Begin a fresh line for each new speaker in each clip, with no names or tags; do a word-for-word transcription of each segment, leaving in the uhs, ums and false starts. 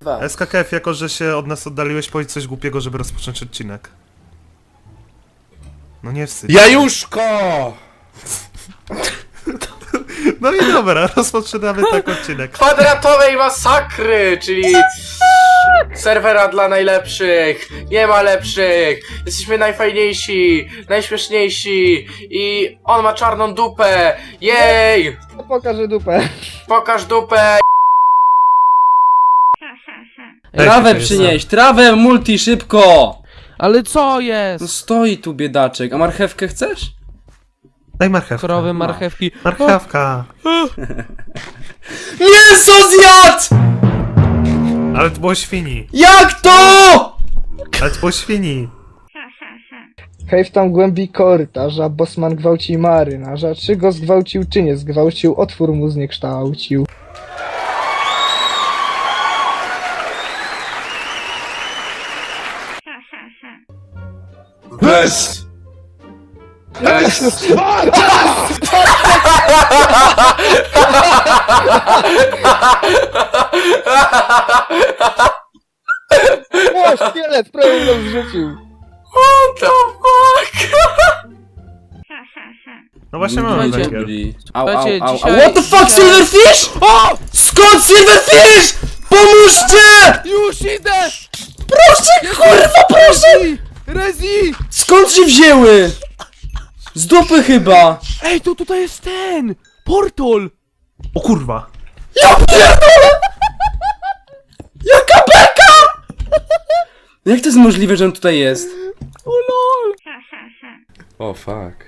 kurwa.
S K K F, jako że się od nas oddaliłeś, powiedz coś głupiego, żeby rozpocząć odcinek. No nie wstydź.
Jajuszko!
No i dobra, rozpoczynamy tak odcinek.
Kwadratowej masakry, czyli serwera dla najlepszych, nie ma lepszych, jesteśmy najfajniejsi, najśmieszniejsi i on ma czarną dupę, jej!
Pokażę dupę.
Pokaż dupę!
Trawę przynieś, trawę multi, szybko!
Ale co jest?
No stoi tu biedaczek, a marchewkę chcesz?
Daj marchewkę.
Krowy, marchewki.
Marchewka.
Mięso zjadł!
Ale to było świni.
Jak to?
Ale to było świni.
Hej, w tam głębi korytarza, bosman gwałci marynarza. Czy go zgwałcił, czy nie zgwałcił, otwór mu zniekształcił.
Bez! Bez!
O, szkielet, prawie go zrzucił.
What the fuck?
No właśnie mamy
Słuchajcie.
węgiel.
Au, au,
Słuchajcie,
au, au.
dzisiaj-
What the fuck,
dzisiaj-
Silverfish? O! Skąd Silverfish? Pomóżcie!
Już idę!
Proszę, kurwa, proszę!
Rezi!
Skąd się wzięły? Z dupy chyba!
Ej, to tutaj jest ten! Portal!
O kurwa.
Ja pierdolę! Jaka beka! Jak to jest możliwe, że on tutaj jest?
O lol!
O fuck.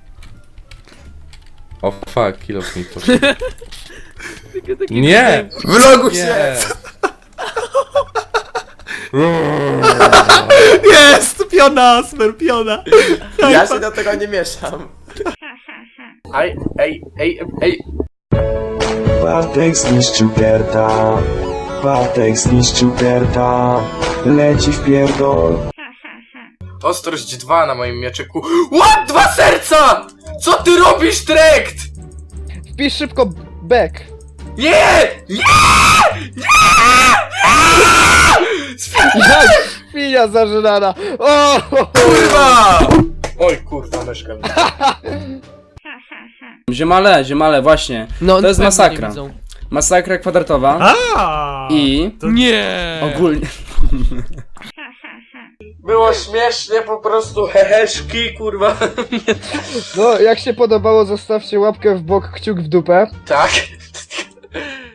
O fuck, kilo mi poszedł.
Takie, takie
Nie!
Vlogu się!
Nie!
Jest! Piona, smer, piona.
Ja się do tego nie mieszam. Ej, ej, ej, ej.
Bartek zniszczył Gerta. Bartek zniszczył Gerta. Leci w pierdol.
Ostrość dwa na moim mieczyku. What? Dwa serca! Co ty robisz, Trekt?
Wpisz szybko back.
Nie! Nie!
Jak świnia zażynana. O!
Kurwa! Oj kurwa, myszka mi.
Ziemale, ziemale, właśnie.
No,
To jest
pewnie
masakra.
nie widzą.
Masakra kwadratowa.
A.
I
To...
Nie!
ogólnie...
Było śmiesznie, po prostu heheszki, kurwa.
No, jak się podobało, zostawcie łapkę w bok, kciuk w dupę.
Tak.